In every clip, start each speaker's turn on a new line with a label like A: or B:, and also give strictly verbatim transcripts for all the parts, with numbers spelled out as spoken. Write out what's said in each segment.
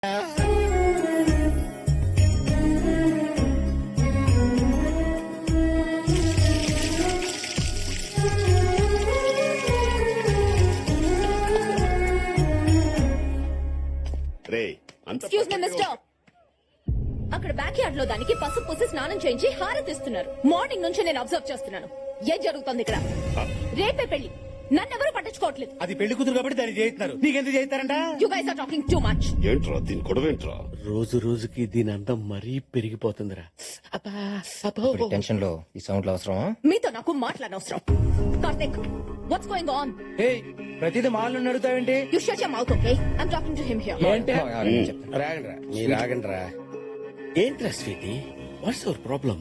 A: Excuse me mister, అక్కడ backyard లో దానికి పసుపు పూసి స్నానం చేయించి హారతిస్తున్నారు. మార్నింగ్ నుంచి నేను అబ్జర్వ్ చేస్తున్నాను. ఏం జరుగుతుంది ఇక్కడ? రేపే పెళ్లి, నన్నెవరూ పట్టించుకోవట్లేదు.
B: అది పెళ్లి కూతురు కాబట్టి దాన్ని చేయిస్తున్నారు. నీకెందుకు చేయిస్తారంట?
A: You guys are talking too much.
C: ఏంట్రా దీని గొడవ ఏంట్రా?
B: రోజు రోజుకి దీని అందం మరీ పెరిగిపోతుందిరా.
D: టెన్షన్ లో ఈ సౌండ్ అవసరమా?
A: మీతో నాకు మాట్లాడనవసరం. Karthik, what's going on?
D: ప్రతిదీ మాలను నడుతావేంటి?
A: You shut your mouth, okay? I am talking to him here.
B: రాగండ్రా, మీరు రాగండ్రా. ఏంట్రా sweetie, what's your problem?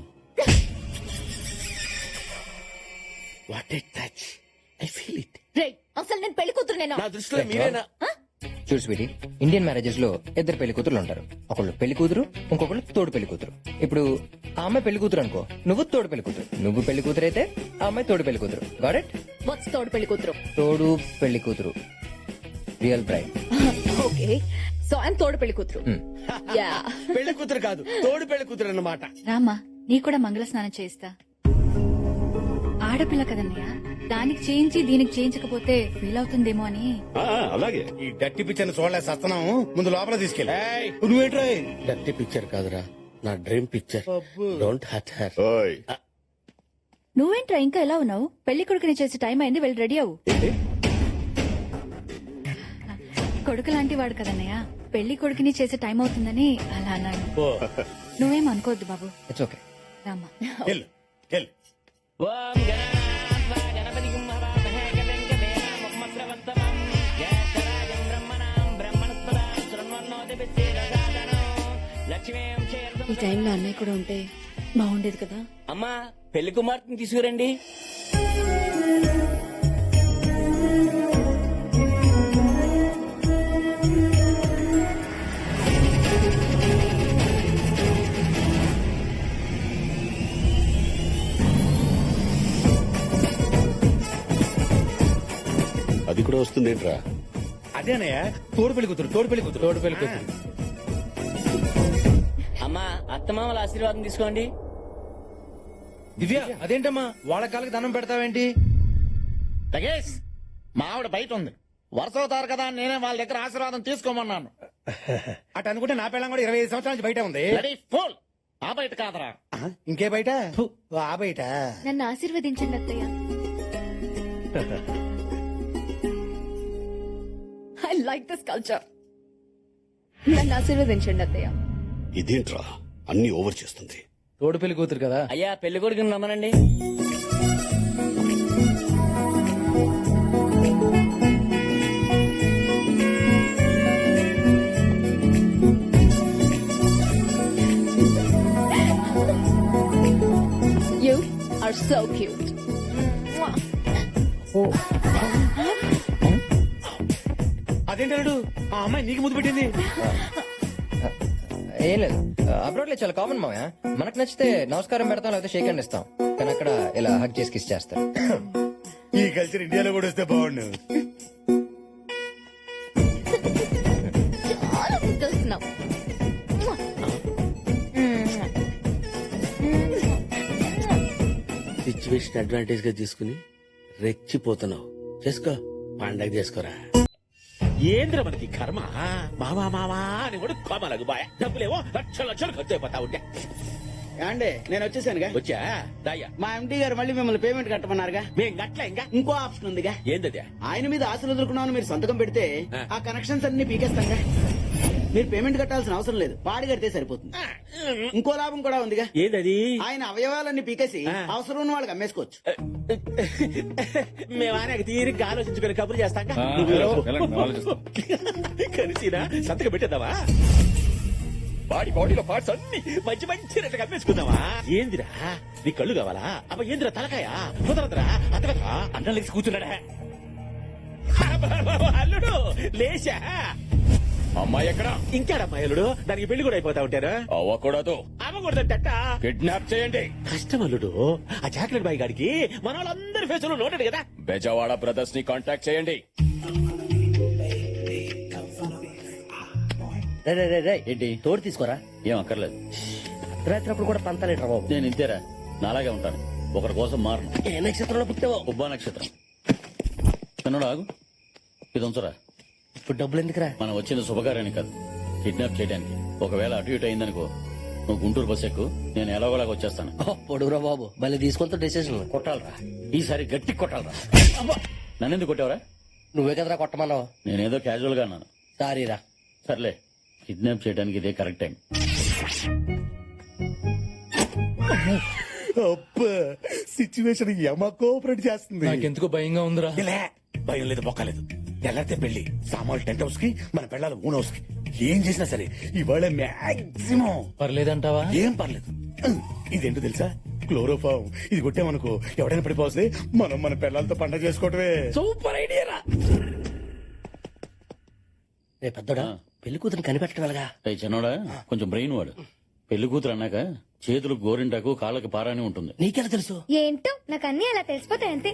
B: What a touch, I feel it.
A: రే, అసలు నేను పెళ్లి కూతురునేనా?
B: నా దృష్టిలో మీరేనా?
D: చూడు స్వీటీ, ఇండియన్ మ్యారేజెస్ లో ఇద్దరు పెళ్లి కూతురు ఉంటారు. ఒకళ్ళు పెళ్లి కూతురు, ఇంకొకళ్ళు తోడు పెళ్లి కూతురు. ఇప్పుడు ఆ అమ్మాయి పెళ్లి కూతురు అనుకో, నువ్వు తోడు పెళ్లి కూతురు. నువ్వు పెళ్లి కూతురు అయితే ఆ అమ్మాయి తోడు పెళ్లి కూతురు. Got it?
A: వాట్స్ తోడు పెళ్లి కూతురు?
D: తోడు పెళ్లి కూతురు, real bride.
A: Okay, so I am తోడు పెళ్లి కూతురు. యా,
B: పెళ్లి కూతురు కాదు, తోడు పెళ్లి కూతురు అన్నమాట.
E: రామా, నీ కూడా మంగళ స్నానం చేయిస్తా. ఆడపిల్ల కదన్నయ్య, దానికి చేయించి దీనికి చేయించకపోతే ఫీల్ అవుతుందేమో అని.
C: ఆ, అలాగే.
B: ఈ డట్టి పిక్చర్ చూడలే సత్తనం, ముందు లోపల తీసుకెళ్ళి. నువ్వేంట్రా? డట్టి పిక్చర్ కాదురా, నా dream picture. Don't hurt her.
C: ఓయ్,
E: నువ్వేంట్రా ఇంకా ఎలా ఉన్నావు? పెళ్లి కొడుకుని చేసే టైం అయింది, వెళ్ళి రెడీ అవ్వు. కొడుకు లాంటి వాడు కదన్నయ్య, పెళ్లి కొడుకుని చేసే టైం అవుతుందని అలా అన్నాను. నువ్వేం అనుకోవద్దు బాబు.
D: It's okay.
E: రామా,
B: వెళ్ళు, వెళ్ళు.
E: ఈ టైంలో అన్నయ్య కూడా ఉంటే బాగుండేది కదా.
F: అమ్మా, పెళ్లి కుమార్తెని తీసుకురండి.
C: అది కూడా వస్తుందేంట్రా?
B: అదేనయ్య, తోడు పెళ్లి కూతురు, తోడు పెళ్లి కూతురు, తోడు పెళ్లి కూతురు.
F: అమ్మా, అత్తమామల ఆశీర్వాదం తీసుకోండి.
D: దివ్య, అదేంటమ్మా వాళ్ళ కాళ్ళకి దండం పెడతావేంటి?
G: లగేష్, మా ఆవిడ బయట ఉంది. వరుస అవుతారు కదా, నేనే వాళ్ళ దగ్గర ఆశీర్వాదం తీసుకోమన్నాను.
B: అటు అనుకుంటే నా పిల్లం కూడా ఇరవై ఐదు సంవత్సరాల నుంచి బయట ఉంది.
G: Ready full. ఆ బయట కాదరా.
B: ఆ, ఇంకే బయట? ఫు, ఆ బయట.
E: నన్ను ఆశీర్వదించండి అత్తయ్య.
A: I like this culture. నన్ను ఆశీర్వదించండి అత్తయ్య.
C: ఇదేంట్రా అన్ని ఓవర్ చేస్తుంది?
D: తోడు పెళ్లి కూతురు కదా.
F: అయ్యా, పెళ్లి కొడుకుని రమ్మనండి.
A: You are so cute.
B: అదేంటాడు, ఆ అమ్మాయి నీకు ముద్దు పెట్టింది.
D: ఏం లేదు, అబ్రాడ్ లో చాలా కామన్ మావయ్య. మనకు నచ్చితే నమస్కారం పెడతాం, లేకపోతే షేక్ హ్యాండ్ ఇస్తాం. కానీ అక్కడ ఇలా హక్ చేసి కిస్ చేస్తారు.
B: ఈ కల్చర్ ఇండియాలో కూడా వస్తే బాగుండు.
A: చాలా ముద్దొస్తున్నావు.
B: సిచ్యువేషన్ అడ్వాంటేజ్ గా తీసుకుని రెచ్చిపోతున్నావు. చేసుకో, పండగ చేసుకోరా.
H: ఏంద్ర మనకి కర్మ. మావా మావా అని కూడా కోమలకు బాయ్. డబ్బులేమో లక్షల లక్షలు ఖర్చు అయిపోతా ఉంటే.
G: అండి, నేను వచ్చేసానుగా.
H: వచ్చా దాయ్యా,
G: మా ఎండి గారు మళ్ళీ మిమ్మల్ని పేమెంట్ కట్టమన్నారుగా.
H: మేం గట్ల ఇంకా
G: ఇంకో ఆప్షన్ ఉందిగా.
H: ఏందది?
G: ఆయన మీద ఆశలు వదులుకున్నామని మీరు సంతకం పెడితే
H: ఆ.
G: ఆ కనెక్షన్స్ అన్ని పీకేస్తాంగా. మీరు పేమెంట్ కట్టాల్సిన అవసరం లేదు, పాడి కడితే సరిపోతుంది. ఇంకో లాభం కూడా ఉందిగా.
H: ఏందది?
G: ఆయన అవయవాలన్నీ పీకేసి
H: ఆ.
G: అవసరం ఉన్న వాళ్ళకి అమ్మేసుకోవచ్చు.
H: మేము ఆయన తీరిగ్గా ఆలోచించుకుని కబుర్లు చేస్తాం. కలిసినా సంతకం పెట్టేద్దామా? బాడీ బాడీలో పార్ట్స్ అన్ని మంచి మంచి రెట్టు కమ్మేసుకుందామా? ఏందిరా, నీ కళ్ళు కావాలా? అబ్బా ఏందిరా తలకాయ? కుదరదురా, అతగదా అన్నం లేచి కూర్చున్నాడా? అల్లుడు లేచా.
I: అమ్మాయి ఎక్కడ?
H: ఇంకాడమ్మాయి అల్లుడు, దానికి పెళ్లి కూడా అయిపోతా ఉంటారు.
I: అవ్వకూడదు.
H: అవ్వకూడదట.
I: కిడ్నాప్ చేయండి.
H: కష్టం అల్లుడు, ఆ చాక్లెట్ బాయ్ గాడికి మన వాళ్ళందరి ఫేసులో నోటెడ్ కదా.
I: బెజవాడ బ్రదర్స్ ని కాంటాక్ట్ చేయండి.
B: రే రే రే రే
H: ఏంటి
B: తోడు తీసుకోరా.
H: ఏం అక్కర్లేదు.
B: రాత్రి కూడా పంతాలేట్రా బాబు.
H: నేను ఇంతేరా, నాలాగే ఉంటాను. ఒకరి కోసం మారను.
B: ఏ నక్షత్రంలో పుట్టావో.
H: ఉబ్బా నక్షత్రం. చిన్నడు ఆగు, ఇది ఉంచరా.
B: ఇప్పుడు డబ్బులు ఎందుకురా?
H: మనం వచ్చిన శుభకార్యానికి కాదు, కిడ్నాప్ చేయడానికి. ఒకవేళ అటు ఇటు అయిందనుకో, నువ్వు గుంటూరు బస్ ఎక్కు, నేను ఎలాగోలాగా వచ్చేస్తాను.
B: పొడుగురా బాబు, మళ్ళీ తీసుకుంటా డెసిషన్.
H: కొట్టాలరా, ఈసారి గట్టి కొట్టాలరా. నన్నెందుకు కొట్టావరా?
B: నువ్వే కదరా కొట్టమన్నావు.
H: నేనేదో క్యాజువల్ గా అన్నాను.
B: సారీరా.
H: సర్లే, కిడ్నాప్ చేయడానికి ఇదే కరెక్ట్ టైం.
B: సిచ్యువేషన్ యమ కోఆపరేట్ చేస్తుంది.
I: నాకెందుకో భయంగా ఉందిరా.
B: ఇలా భయం లేదు, బొక్కలేదు. ఎలాంటి పెళ్లి సామాన్లు టెంట్ హౌస్ కి, మన పెళ్ళాలి ఓన్ హౌస్ కి. ఏం చేసినా సరే ఇవాళ మాక్సిమం
I: పర్లేదంటావా?
B: ఏం పర్లేదు. ఇదేంటో తెలుసా? క్లోరోఫామ్. ఇది కొట్టామనుకో ఎవడైనా పడిపోతే మనం మన పిల్లలతో పండగ చేసుకోవటమే.
H: సూపర్ ఐడియా రా.
B: రే పెద్దోడా, పెళ్లి కూతురు కనిపెట్టడం ఎలాగా?
H: ఏయ్ చిన్నోడా, కొంచెం బ్రెయిన్ వాడు. పెళ్లి కూతురు అన్నాక చేతులకు గోరింటాకు, కాళ్ళకి పారాని ఉంటుంది.
B: నీకెలా తెలుసు?
E: ఏంటో నాకు అన్ని అలా తెలిసిపోతాయి అంతే.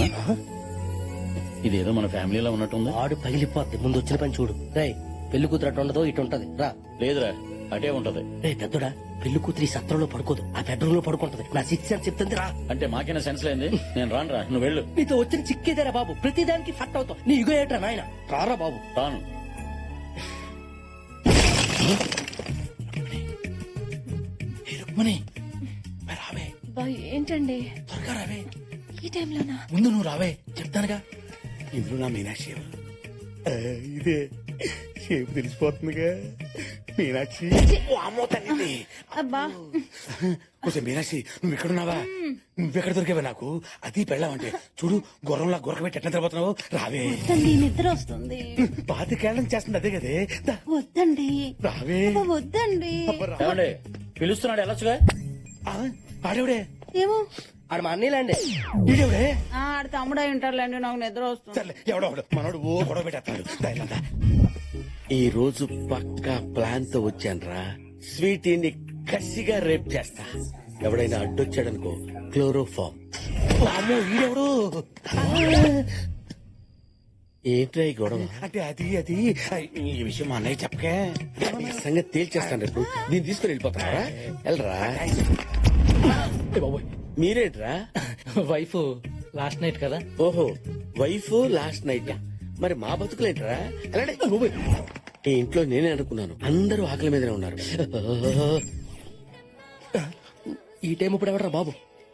H: ఇదేదో మన ఫ్యామిలీలో ఉన్నట్టుంది.
B: ఆడు పగిలిపోద్ది. ముందు వచ్చిన పని చూడు. రే పెళ్లి కూతురు అటు ఉండదు, ఇటు ఉంటది. రా.
H: లేదురా, అటే ఉంటది.
B: రే పెద్దోడా, పెళ్లి కూతురు ఈ సత్రంలో పడుకోదు, ఆ బెడ్రూమ్ లో పడుకుంటది. నా సిక్స్ అని చెప్తుంది. రా.
H: అంటే మాకైనా సెన్స్ లేంది. నేను రానురా, నువ్వు వెళ్ళు.
B: నీతో వచ్చిన చిక్కేదేరా బాబు, ప్రతిదానికి ఫట్ అవుతావు. నీ ఇగో ఏట్రా నాయన. రారా బాబు.
H: రాను.
B: రావే
E: ఏంటండి
B: త్వరగా రావే.
E: ఈ టైంలోనా?
B: ముందు నువ్వు రావే, చెప్తానుగా. ఇందులో నా మీనాక్షి ఎవరు? ఆ, ఇదే షేపు తెలిసిపోతుందిగా. మీనాక్షి. ఓ అమ్మో తల్లి.
E: అబ్బా
B: కొంచెం మీనాక్షి, నువ్వు ఎక్కడున్నావా? నువ్వెక్కడ దొరికావా నాకు? అది పెళ్ళావంటే చూడు, గుర్రంలా గురకబెట్టి ఎట్లా తిరగబోతున్నావు. రావే.
E: వద్దండి, నిద్ర వస్తుంది.
B: పాతికేళ్ళం చేస్తుంది అదే కదే. దా,
E: వద్దండి,
B: రావే.
E: వద్దండి.
B: అబ్బరా.
H: ఏమండి పిలుస్తున్నాడు, వెళ్ళొచ్చుగా.
B: ఆ, ఆడేవిడే?
E: ఏమో.
B: ఆడ మా అన్నీలాండి. ఈడేవిడే?
J: ఆడ తమ్ముడు ఉంటారులేండి, నాకు నిద్ర వస్తుంది.
B: సర్లే, ఎవడో ఒకడు మనోడు ఓ గొడవ పెట్టేస్తాడు. ఈ రోజు పక్కా ప్లాన్ తో వచ్చానురా. స్వీటీని కసిగా రేప్ చేస్తా. ఎవడైనా అడ్డొచ్చాడనుకో, క్లోరోఫామ్. అమ్మో ఈడెవడు? ఏంట్రా ఈ గొడవ? అంటే అది అది ఈ విషయం మా అన్నయ్య చెప్పకే. ఈ సంగతి తేల్చేస్తాను రేపు. దీన్ని తీసుకుని వెళ్ళిపోతారా? వెళ్ళరా. మీరేంట్రా?
F: వైఫ్ లాస్ట్ నైట్ కదా.
B: ఓహో, వైఫ్ లాస్ట్ నైట్. మరి మా బతుకులేంట్రా? వెళ్ళండి. ఈ ఇంట్లో నేనే అనుకున్నాను, అందరూ ఆకలి మీదనే ఉన్నారు. ఈ టైం ఇప్పుడు ఎవడరా బాబు?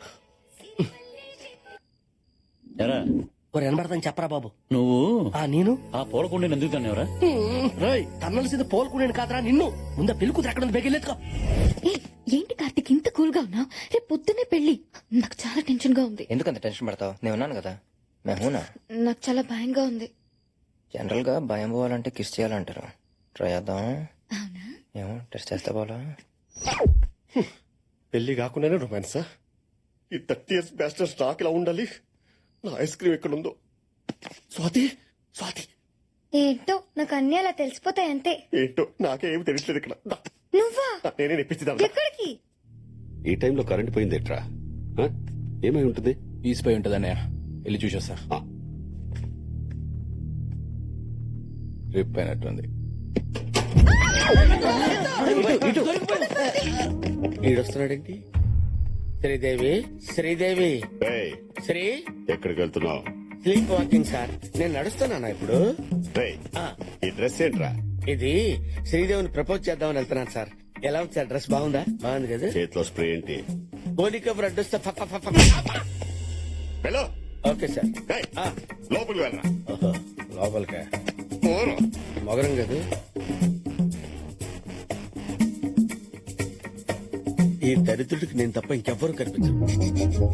H: ఎరా
B: ఒక వినబడతాను చెప్పరా బాబు.
H: నువ్వు
B: ఆ నేను
H: ఆ పూలకుండీని ఎందుకు తన్నావురా?
B: రాయ్ తన్నలసింది పోల్కొనేను కాదరా నిన్ను. ముందా పెళ్లి కూతురు ఎక్కడ ఉంది? బెగిలేదుకో.
E: ఏయ్, ఏంటి కార్తిక్ ఇంత కూల్ గా ఉన్నావు? రేపు పొద్దున్నే పెళ్లి. నాకు చాలా టెన్షన్ గా ఉంది.
D: ఎందుకంత టెన్షన్ పడతావు? నేను ఉన్నాను కదా. మేమునా.
E: నాకు చాలా భయంగా ఉంది.
D: జనరల్ గా భయం పోవాలంటే కిస్ చేయాలంటారు. ట్రై చేద్దాం.
E: అవునా?
D: ఏమో టెస్ట్ చేస్తే పోలా.
C: పెళ్లి కాకుండానే రొమాన్సా? ఈ థర్టీ ఇయర్స్ బ్యాస్టర్ స్టాక్ ఇలా ఉండాలి. నా ఐస్ క్రీమ్ ఎక్కడుందో? స్వాతి, స్వాతి
E: ఏంటో నాకు అన్ని అలా తెలిసిపోతాయి అంతే.
C: ఏంటో నాకే ఏమి తెలియట్లేదు ఇక్కడ. దా,
E: నువ్వా?
C: దా, నేనే నెప్పించిదా.
E: ఎక్కడికి?
C: ఈ టైంలో కరెంట్ పోయింది ఎట్రా? ఏమై ఉంటుంది?
I: ఈసిపోయి ఉంటుంది అన్నయ్య, వెళ్ళి చూసేస్తా.
C: ఆ.
I: రిప్ అయినట్టుంది.
B: ఈడొస్తున్నాడేంటి? శ్రీదేవి, శ్రీదేవి,
C: ఏయ్,
B: శ్రీ.
C: ఎక్కడికి వెళ్తున్నావు?
B: Sleep walking sir. నేను నడుస్తున్నానా ఇప్పుడు?
C: ఏయ్, ఈ డ్రెస్ ఏంట్రా?
B: ఇది శ్రీదేవిని ప్రపోజ్ చేద్దామని వెళ్తున్నాను సార్. ఎలా ఉంది సార్? డ్రెస్ బాగుందా? బాగుంది కదా.
C: చేతిలో స్ప్రే ఏంటి?
B: పోలిక బ్రెడ్ వస్తే ఫ- ఫ- ఫ- ఫ-
C: వెళ్ళు.
B: Okay sir.
C: ఏయ్, లోపలికి వెళ్ళరా.
B: ఓహో, లోపలికా?
C: పోను.
B: మొగరం కదా. ఈ దరిద్రుడికి నేను తప్ప ఇంకెవ్వరూ కనిపించరు.